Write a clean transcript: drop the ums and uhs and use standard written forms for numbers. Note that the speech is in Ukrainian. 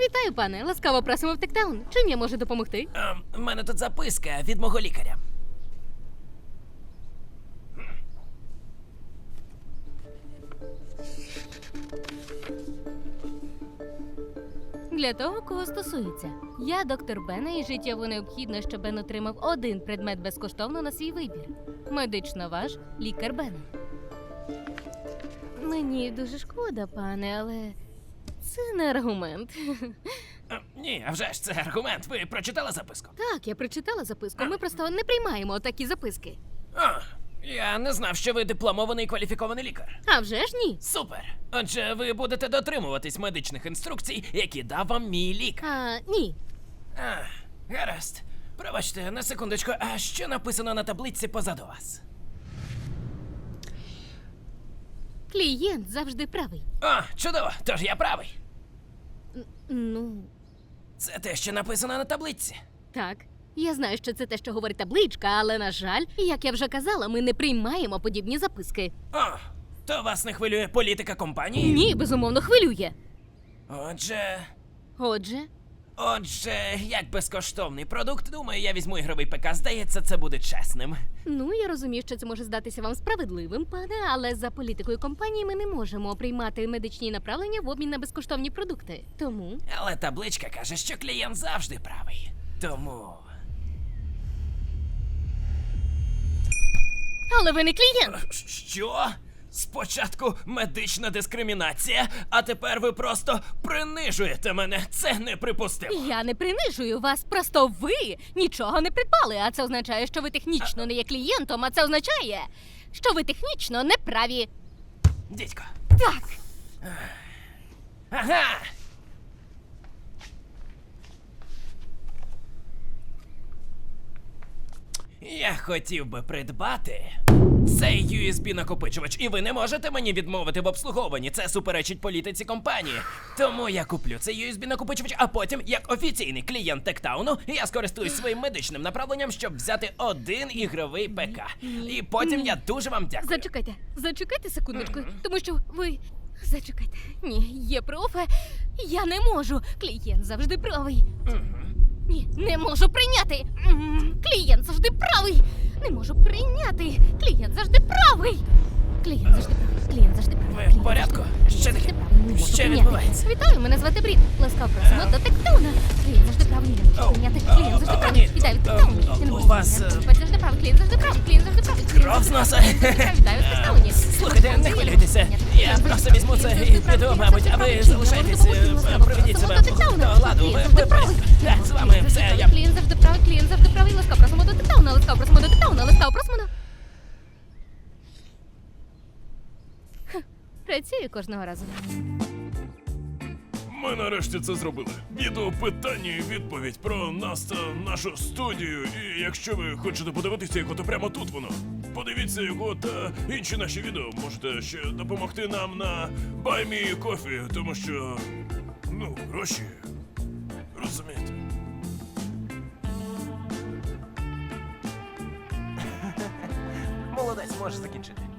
Вітаю, пане. Ласкаво просимо в Тектаун. Чим я можу допомогти? В мене тут записка від мого лікаря. Для того, кого стосується. Я доктор Бена, і життєво необхідно, щоб Бен отримав один предмет безкоштовно на свій вибір. Медично ваш лікар Бена. Мені дуже шкода, пане, але це не аргумент. Ні, а вже ж це аргумент. Ви прочитали записку? Так, я прочитала записку. Ми просто не приймаємо такі записки. Я не знав, що ви дипломований і кваліфікований лікар. А вже ж ні. Супер! Отже, ви будете дотримуватись медичних інструкцій, які дав вам мій лікар. Ні. Гаразд. Пробачте, на секундочку, а що написано на таблиці позаду вас? Клієнт завжди правий. Чудово, тож я правий. Ну, Це те, що написано на таблиці. так. Я знаю, що це те, що говорить табличка, але, на жаль, як я вже казала, ми не приймаємо подібні записки. То вас не хвилює політика компанії? Ні, безумовно, хвилює. Отже, як безкоштовний продукт, думаю, я візьму ігровий ПК. Здається, це буде чесним. Ну, я розумію, що це може здатися вам справедливим, пане, але за політикою компанії ми не можемо приймати медичні направлення в обмін на безкоштовні продукти. Тому... Але табличка каже, що клієнт завжди правий. Тому... Але ви не клієнт! Що? Спочатку медична дискримінація, а тепер ви просто принижуєте мене. Це неприпустимо. Я не принижую вас, просто ви нічого не придбали, а це означає, що ви технічно не є клієнтом, а це означає, що ви технічно не праві. Дідько. Так! Ага! Я хотів би придбати цей USB-накопичувач, і ви не можете мені відмовити в обслуговуванні. Це суперечить політиці компанії. Тому я куплю цей USB-накопичувач, а потім, як офіційний клієнт Тектауну, я скористуюсь своїм медичним направленням, щоб взяти один ігровий ПК. І потім я дуже вам дякую. Зачекайте секундочку, тому що ви... Зачекайте. Ні, є профе, я не можу. Клієнт завжди правий. Ні, не можу прийняти. Клієнт завжди правий. Не можу прийняти. Клієнт завжди правий. Клієнт завжди правий. Клієнт завжди правий. Ви в порядку? Що таке? Що відбувається? Вітаю, мене звати Брід. Ласкаво просимо до Тектауна. Клієнт завжди правий. Не можу прийняти. Клієнт завжди правий. Вітаю від Тектауну. Я не можу у вас, прийняти. Клієнт завжди правий. Клієнт завжди правий. Клієнт завжди правий. Кров з носа. Вітаю в Тектауні. Слухайте, не хвилюйтеся. Я просто візьму це і піду, мабуть, а ви залишайтесь, проведіть себе до ладу. Ви праві. Так, з вами все, я... Клієнт завжди правий, клієнт завжди правий. Ласкаво просимо до Тектауна, ласкаво просимо до Тектауна, ласкаво просимо до... Працює кожного разу. Ми нарешті це зробили. Відео питання і відповідь про нас та нашу студію. І якщо ви хочете подивитися його, то прямо тут воно. Подивіться його та інші наші відео. Можете ще допомогти нам на Buy Me Coffee, тому що, гроші, розумієте. Молодець, можеш закінчити.